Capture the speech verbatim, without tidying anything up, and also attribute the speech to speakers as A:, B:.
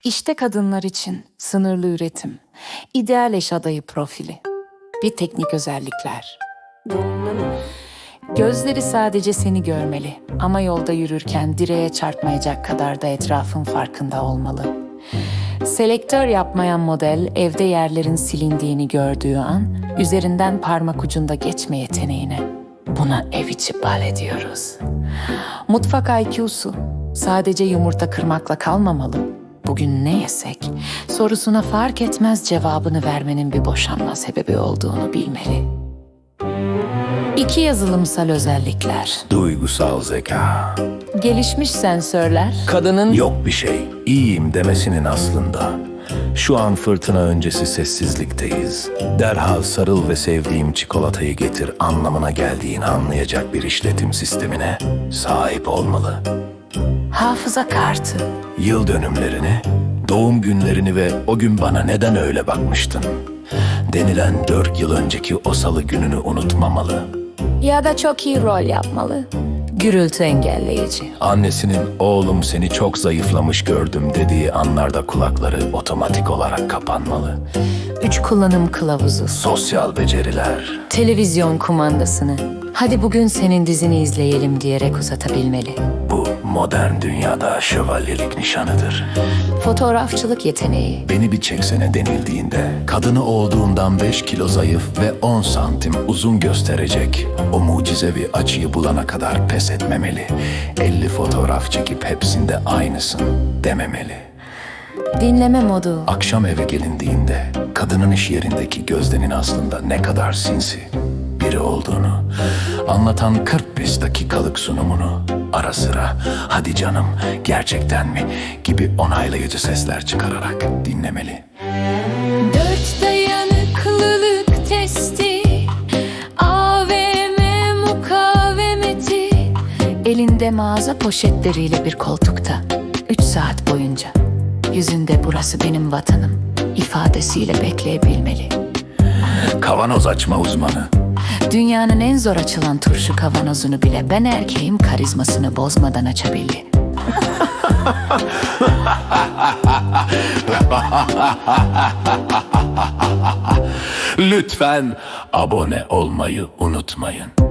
A: İşte kadınlar için sınırlı üretim, ideal eş adayı profili, bir teknik özellikler. Gözleri sadece seni görmeli ama yolda yürürken direğe çarpmayacak kadar da etrafın farkında olmalı. Selektör yapmayan model evde yerlerin silindiğini gördüğü an üzerinden parmak ucunda geçme yeteneğine. Buna ev içi bal diyoruz. Mutfak I Q'su sadece yumurta kırmakla kalmamalı. Bugün ne yesek sorusuna fark etmez cevabını vermenin bir boşanma sebebi olduğunu bilmeli. İki yazılımsal özellikler.
B: Duygusal zeka.
A: Gelişmiş sensörler. Kadının
B: Yok bir şey, iyiyim demesinin aslında. Şu an fırtına öncesi sessizlikteyiz. Derhal sarıl ve sevdiğim çikolatayı getir anlamına geldiğini anlayacak bir işletim sistemine sahip olmalı.
A: hafıza kartı.
B: Yıl dönümlerini, doğum günlerini ve o gün bana neden öyle bakmıştın denilen dört yıl önceki o salı gününü unutmamalı.
A: Ya da çok iyi rol yapmalı. Gürültü engelleyici.
B: Annesinin oğlum seni çok zayıflamış gördüm dediği anlarda kulakları otomatik olarak kapanmalı.
A: Üç kullanım kılavuzu.
B: Sosyal beceriler.
A: Televizyon kumandasını hadi bugün senin dizini izleyelim diyerek uzatabilmeli.
B: Bu modern dünyada şövalyelik nişanıdır.
A: Fotoğrafçılık yeteneği.
B: Beni bir çeksene denildiğinde kadını olduğundan beş kilo zayıf ve on santim uzun gösterecek o mucizevi açıyı bulana kadar pes etmemeli. elli fotoğraf çekip hepsinde aynısın dememeli.
A: Dinleme modu.
B: Akşam eve gelindiğinde kadının iş yerindeki Gözde'nin aslında ne kadar sinsi biri olduğunu anlatan kırk beş dakikalık sunumunu ara sıra "hadi canım gerçekten mi" gibi onaylayıcı sesler çıkararak dinlemeli.
A: Dört dayanıklılık testi, A V M mukavemeti, elinde mağaza poşetleriyle bir koltukta, üç saat boyunca yüzünde "burası benim vatanım" ifadesiyle bekleyebilmeli.
B: Kavanoz açma uzmanı.
A: Dünyanın en zor açılan turşu kavanozunu bile ben erkeğim karizmasını bozmadan açabildi.
B: Lütfen abone olmayı unutmayın.